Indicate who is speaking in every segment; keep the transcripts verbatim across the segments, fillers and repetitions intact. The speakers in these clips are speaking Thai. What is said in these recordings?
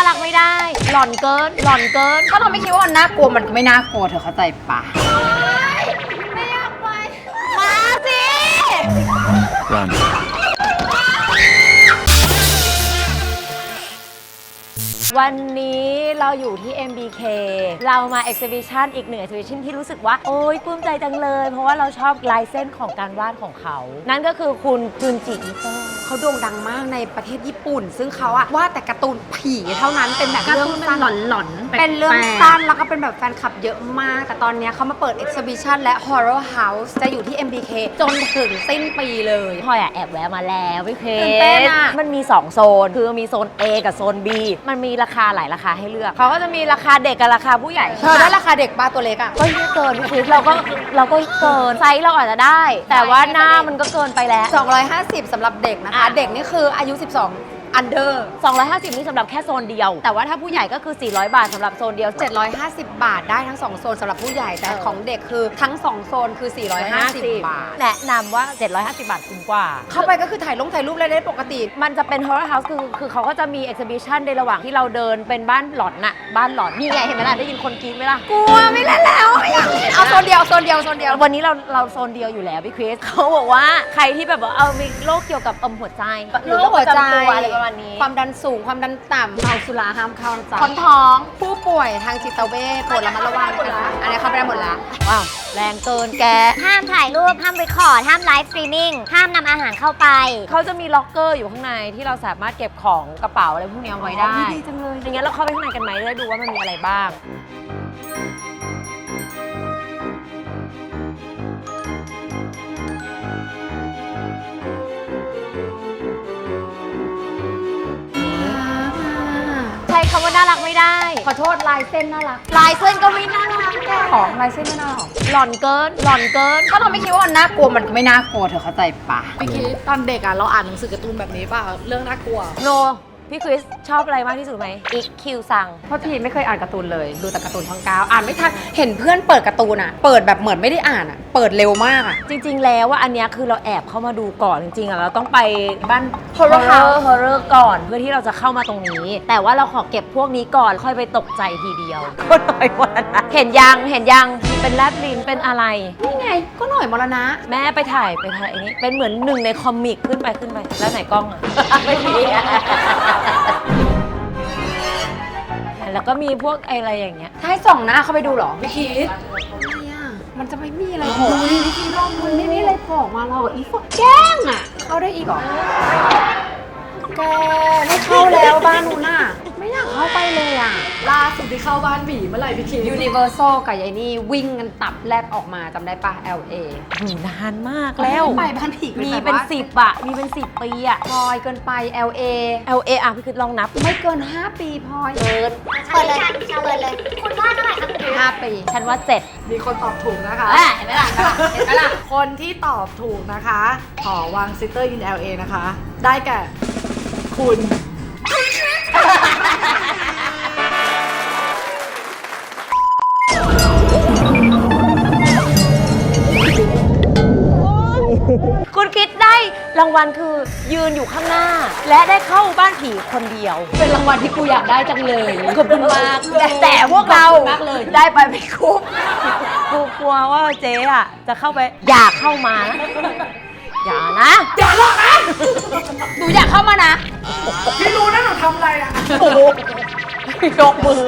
Speaker 1: ารักไม่ได้หล่อนเกินหล่อนเกิน
Speaker 2: ถ้าเราไม่คิดว่ามันน่ากลัวมันก็ไม่น่ากลัวเธอเข้าใจปะ
Speaker 1: ไม่อยากไปมาสิ
Speaker 3: Run.
Speaker 1: วันนี้เราอยู่ที่ เอ็ม บี เค เรามา exhibition อีกหนึ่ง exhibition ที่รู้สึกว่าโอ๊ยปลื้มใจจังเลยเพราะว่าเราชอบลายเส้นของการวาดของเขานั่นก็คือคุณจุนจิอิโตะ
Speaker 2: เขาโด่งดังมากในประเทศญี่ปุ่นซึ่งเขาอะวาดแต่การ์ตูนผีเท่านั้นเป็นแบบเรื่องสั้นหลอนๆเป็นเรื่องสั้นแล้วก็เป็นแบบแฟนคลับเยอะมากแต่ตอนนี้เขามาเปิด exhibition และ horror house จะอยู่ที่ เอ็ม บี เค จนถึงสิ้นปีเลย
Speaker 1: พลอยอะแอบแวะมาแล้วพี่เค
Speaker 2: ตื่นเต้นอะ
Speaker 1: มันมีสองโซนคือมีโซน A กับโซน B มันมีราคาหลายราคาให้เลือกเขาก็จะมีราคาเด็กกับราคาผู้ใหญ่
Speaker 2: เธอได้ราคาเด็กบ้าตัวเล็กอะ
Speaker 1: ก็เกินพี่คริสเราก็เราก็เกินไซส์เราอาจจะได้ แต่ว่าหน้ามันก็เกินไปแล้ว
Speaker 2: สองร้อยห้าสิบสำหรับเด็กนะคะเด็กนี่คืออายุสิบสองอันเดอร์
Speaker 1: สองร้อยห้าสิบนี่สำหรับแค่โซนเดียวแต่ว่าถ้าผู้ใหญ่ก็คือสี่ร้อยบาทสำหรับโซนเดียว
Speaker 2: เจ็ดร้อยห้าสิบบาทได้ทั้งสองโซนสำหรับผู้ใหญ่แต่ของเด็กคือทั้งสองโซนคือสี่ร้อยห้าสิบบาท
Speaker 1: แนะนำว่าเจ็ดร้อยห้าสิบบาทคุ้มกว่า
Speaker 2: เข้าไปก็คือถ่ายลงถ่ายรูปอะไรได้ปกติ
Speaker 1: มันจะเป็น horror house คือคือเขาก็จะมี exhibition ในระหว่างที่เราเดินเป็นบ้านหลอนน่ะบ้านหลอนนี่ไงเห็นไหมล่ะได้ยินคนกรี๊ดไหมล่ะ
Speaker 2: กลัวไม่เล่นแล้วเอาโซนเดียวโซนเดียวโซนเดียว
Speaker 1: วันนี้เราเราโซนเดียวอยู่แล้วพี่คริสเขาบอกว่าใครที่แบบว่าเอามีโรคเกี่ยวกับอมหัวใจหรือโรคหัวใจอะไรประมาณนี้
Speaker 2: ความดันสูงความดันต่ำเมาสุราห้ามเข้านะจ๊ะ
Speaker 1: คนท้อง
Speaker 2: ผู้ป่วยทางจิตเวชโปรดระมัดระวังนะคะอันนี้เข้าไปได้หมดละ
Speaker 1: ว้าวแรงเกินแก
Speaker 4: ห้ามถ่ายรูปห้ามรีคอร์ดห้ามไลฟ์สตรีมมิ่งห้ามนำอาหารเข้าไป
Speaker 1: เขาจะมีล็อกเกอร์อยู่ข้างในที่เราสามารถเก็บของกระเป๋าอะไรพวกนี้เอาไว้ได้
Speaker 2: ดีจังเลย
Speaker 1: อย่างเงี้ยเราเข้าไปข้างในกันไหมได้ดูว่ามันมีอะไรบ้างใช้คำว่าน่ารักไม่ได้
Speaker 2: ขอโทษลายเส้นน่ารัก
Speaker 1: ลายเส้นก็ไม่น่ารักแก
Speaker 2: ของลายเส้นไม่น่ารัก
Speaker 1: หล่อนเกินหล่อนเกิน
Speaker 2: ถ้าเราไม่คิดว่ามันน่ากลัวมันก็ไม่น่ากลัวเธอเข้าใจปะ
Speaker 5: พี่คิดตอนเด็กอ่ะเราอ่านหนังสือการ์ตูนแบบนี้ป่ะเรื่องน่ากลัว
Speaker 1: โนพี่คริสชอบอะไรมากที่สุดไหมอีกคิวซัง
Speaker 2: เพราะทีไม่เคยอ่านการ์ตูนเลยดูแต่การ์ตูนช่องเก้าอ่านไม่ทันเห็นเพื่อนเปิดการ์ตูนอ่ะเปิดแบบเหมือนไม่ได้อ่านอ่ะเปิดเร็วมากอ่ะ
Speaker 1: จริงๆแล้วว่าอันเนี้ยคือเราแอบเข้ามาดูก่อนจริงๆอ่ะเราต้องไปบ้าน
Speaker 2: horror house
Speaker 1: horror ก่อนเพื่อที่เราจะเข้ามาตรงนี้แต่ว่าเราขอเก็บพวกนี้ก่อนค่อยไปตกใจทีเดียวก็หน่อยวันนะเห็นยังเห็นยังเป็นแลบลิ้นเป็นอะไร
Speaker 2: นี่ไงก็หน่อยมรณะ
Speaker 1: แม่ไปถ่ายไปถ่ายอันนี้เป็นเหมือนหนึ่งในคอมิกขึ้นไปขึ้นไปแล้วไหนกล้องอ่ะไม่มีแล้วก็มีพวกอะไรอย่างเงี้ย
Speaker 2: ถ้าให้ส่องหน้าเข้าไปดูหรอ
Speaker 5: พี่คิด
Speaker 2: มันจะไม่มีอะไรโผล่พี่คิดลองมันไม่มีอะไรโผล่มาเราอีฟแกล้งอ่ะเข้าได้อีกเหรอแกไม่เข้าแล้วบ้านนู้นน่ะไม่อยากเข้าไปเลยอ่ะ
Speaker 5: ล่าสุดที่เข้าบ้านผีเมื่อไหร่พี่คิด
Speaker 2: Universal กับยายนี่วิ่งกันตับแลบออกมาจำได้ปะ แอล เอ
Speaker 1: นานมากแล้ว
Speaker 2: ไปบ้านผี
Speaker 1: มีเป็นสิบอะมีเป็นสิบปีอะ
Speaker 2: พลอยเกินไป แอล เอ
Speaker 1: แอล เอ อ่ะพี่คือลองนับ
Speaker 2: ไม่เกินห้าปีพลอยเกิน
Speaker 4: เปิดเลยเปิดเลยคุณว่าเท่าไหร่คะคุณ
Speaker 2: ห้าปี
Speaker 1: ฉันว่าเจ็ด
Speaker 5: มีคนตอบถูกนะคะ
Speaker 2: เห็นไหมล่ะเห็นไหมล่ะ
Speaker 5: คนที่ตอบถูกนะคะหอวังซิสเตอร์อิน แอล เอ นะคะได้แก่คุณ
Speaker 1: คุณคิดได้รางวัลคือยืนอยู่ข้างหน้า และได้เข้าบ้านผีคนเดียว
Speaker 2: เป็นรางวัลที่กูอยากได้จังเลย
Speaker 1: ขอบคุณมากแต่พวกเราได้ไปไม่คุ้มกูกลัวว่าเจ๊อะจะเข้าไปอยากเข้ามาอย่านะ
Speaker 2: อย่าหรอกนะหนูอยากเข้ามานะ
Speaker 5: พี่รู้นะหนูทำอะไรอ่ะ
Speaker 1: โอ้โหยกมือ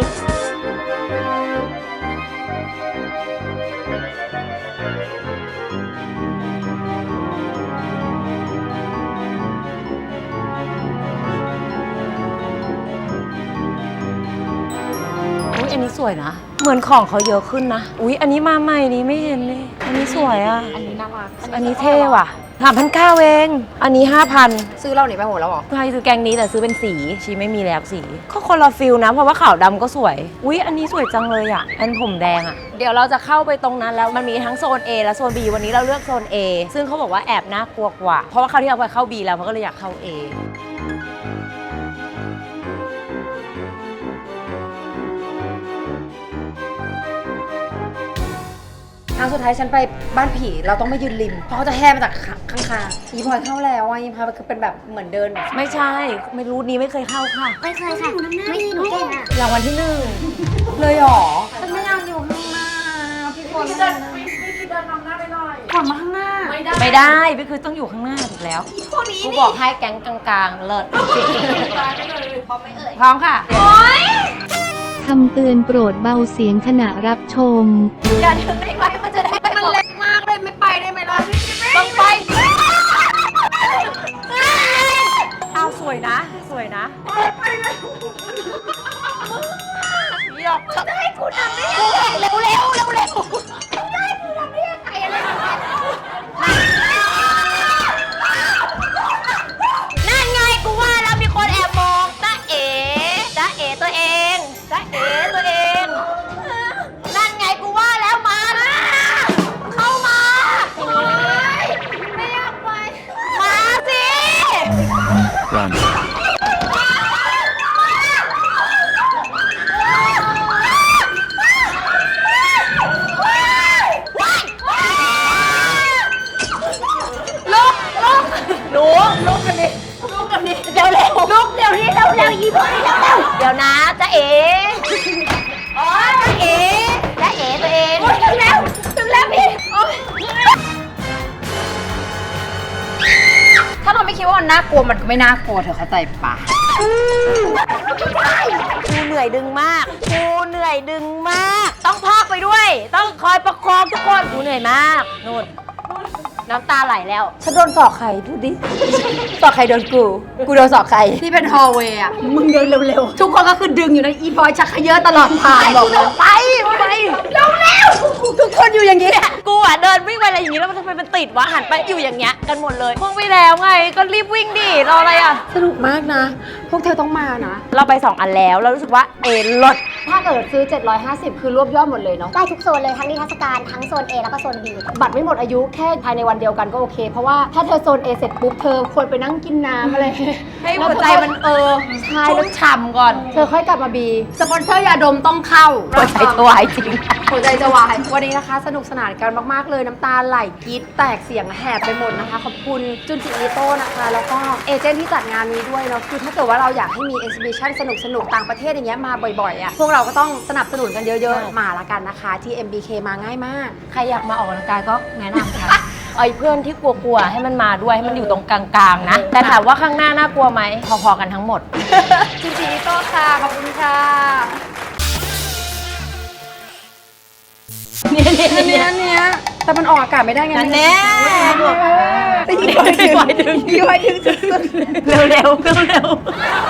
Speaker 1: อุ๊ยอันนี้สวยนะเหมือนของเขาเยอะขึ้นนะอุ๊ยอันนี้มาใหม่นี้ไม่เห็นเลยอันนี้สวยอ่ะ
Speaker 2: อันนี้น่ารัก
Speaker 1: อันนี้เท่ว่ะสามพันเก้าเองอันนี้ห้าพัน
Speaker 2: ซื้อเราหนีไปโหแล้วหรอ
Speaker 1: ใครซื้อแกงนี้แต่ซื้อเป็นสีชีไม่มีแล้วสีก็คนละฟิลนะเพราะว่าขาวดำก็สวยอุ๊ยอันนี้สวยจังเลยอ่ะอันผมแดงอ่ะเดี๋ยวเราจะเข้าไปตรงนั้นแล้วมันมีทั้งโซน A และโซน B วันนี้เราเลือกโซน A ซึ่งเขาบอกว่าแอบน่ากลัวกว่าเพราะว่าคราวที่เราไปเข้า B แล้วเขาก็เลยอยากเข้า A
Speaker 2: รั้งสุดท้ายฉันไปบ้านผีเราต้องไม่ยืนริมเพราะเขาจะแห่มาจากข้างๆอีพลอยเข้าแล้วอ่ะอีพลอยมันคือเป็นแบบเหมือนเดิน
Speaker 1: ไม่ใช่ ไม่รู้นี้ไม่เคยเข้าค่ะ
Speaker 4: ไม่เคยค่ะไม่หนูเก่งอ่ะ
Speaker 1: รางวัลที่หนึ่ง
Speaker 2: เลยหรอฉันไม่อยากอยู่ข้างหน้าพี่พลอย
Speaker 5: พี่เดินพี่พี่เดินนำหน้าไปหน่อย
Speaker 2: ขอมาข้างหน้า
Speaker 5: ไม่ได้
Speaker 1: ไม่ได้พี่คือต้องอยู่ข้างหน้าถูกแล้วกูบอกให้แก๊งกลางๆ เลิศ
Speaker 5: ตายไปเลยพร้อมไหมเอ่ย
Speaker 1: พร้อมค่ะ
Speaker 6: คำเตือนโปรดเบาเสียงขณะรับชม
Speaker 1: อย่าดึงได้ไหมมันจะได้ไม่
Speaker 2: มันเล็กมากเลยไม่ไปได้ไหมล่ะ
Speaker 1: ต้องไปเอาสวยนะ สวยนะหยอกจะให้กูทำได้ยังไงเร็วเร็วเร็วเร็วได้กูทำได้ยังไงอะไรนั่นไงกูว่าแล้วมีคนแอบมองจ้าเอ๋จ้าเอ๋ตัวเองจ้าเอ๋ตัวเองนั่นไงกูว่าแล้วมานะเข้ามาไม่อยากไปมาสิ
Speaker 3: Run.
Speaker 1: ลุกลุกหนูลุกกันดิลุกกันดิเดี๋ยวเร็วลุกเดี๋ยวนี้เร็วเร็วอีพอยเร็วเร็วเดี๋ยวนะจ๊ะเอ๋โอ้ยจ๊ะเอ๋จ๊ะเอ๋ตัวเองถึงแล้วถึงแล้วพี่
Speaker 2: ถ้าเราไม่คิดว่ามันน่ากลัวมันก็ไม่น่ากลัวเธอเข้าใจปะ
Speaker 1: กูเหนื่อยดึงมากกูเหนื่อยดึงมาก ต้องพากไปด้วย ต้องคอยประคองทุกคนกูเหนื่อยมากนู่นน้ำตาไหลแล้ว
Speaker 2: ฉันโดนสอกใครพูดดิ สอกใครโดนกู กูโดนสอกใครที่เป็นฮอลเวย์อ่ะ มึงเดินเร็วๆ ทุกคนก็คือดึงอยู่ในะอีพลอยชักเขยอะตลอดทางบอกเลย
Speaker 1: ไปไปเร็วเร็ว
Speaker 2: ทุกคนอยู่อย่างนี้แหละ
Speaker 1: กูอ่ะเดินวิ่งไปอะไรอย่างนี้แล้วมันทำไมมันติดวะหันไปอยู่อย่างเงี้ยกันหมดเลยพุ่งไปแล้วไงก็รีบวิ่งดิรออะไรอ่ะ
Speaker 2: สนุกมากนะ พวกเธอต้องมานะ
Speaker 1: เราไปสองอันแล้วเรารู้สึกว่าเอลด
Speaker 2: ถ้าเกิดซื้อ เจ็ดร้อยห้าสิบ คือรวบยอดหมดเลยเนาะ
Speaker 4: ได้ทุกโซนเลยทั้งนิทรรศการทั้งโซน A แล้วก็โซน B
Speaker 2: บัตรไม่หมดอายุแค่ภายในวันเดียวกันก็โอเค เพราะว่าถ้าเธอโซน A เสร็จปุ๊บ เธอควรไปนั่งกินน้ำอะไร
Speaker 1: ให้หัวใจมันเออ
Speaker 2: ใช่
Speaker 1: ชุ่
Speaker 2: แล้ว
Speaker 1: มฉ่ำก่อน
Speaker 2: เธอค่อยกลับมาบี สปอนเซอร์ยาดมต้องเข้า
Speaker 1: หัวใจจะวายจริง
Speaker 2: หัวใจจะวาย วันนี้นะคะสนุกสนานกันมากๆเลยน้ำตาไหลกรี๊ดแตกเสียงแหบไปหมดนะคะ ขอบคุณจุนจิอิโต้นะคะ แล้วก็เอเจนต์ที่จัดงานนี้ด้วยเนาะคือถ้าเกิดว่าเราอยากให้มีเอ็กซิบิชันสนุกๆ ต่างประเทศอย่างเงี้ยมาบ่อยๆอ่ะพวกเราก็ต้องสนับสนุนกันเยอะๆ มาละกันนะคะ ที่ เอ็ม บี เค มาง่ายมาก
Speaker 1: ใครอยากมาออกกำลังกายก็แนะนำค่ะ ไอ้เพื่อนที่กลัวๆให้มันมาด้วยให้มันอยู่ตรงกลางๆนะ แต่ถามว่าข้างหน้าน่ากลัวไหมพอๆกันทั้งหมด
Speaker 2: จุนจิอิโต้ค่ะขอบคุณค่ะเนี่ยเนี่ยเนี่ยแต่มันออกอากาศไม่ได้ไง
Speaker 1: นั่นแน่
Speaker 2: ตีไว้ดึงตีไว้ดึงสุดๆ
Speaker 1: เร็วๆเร็วๆ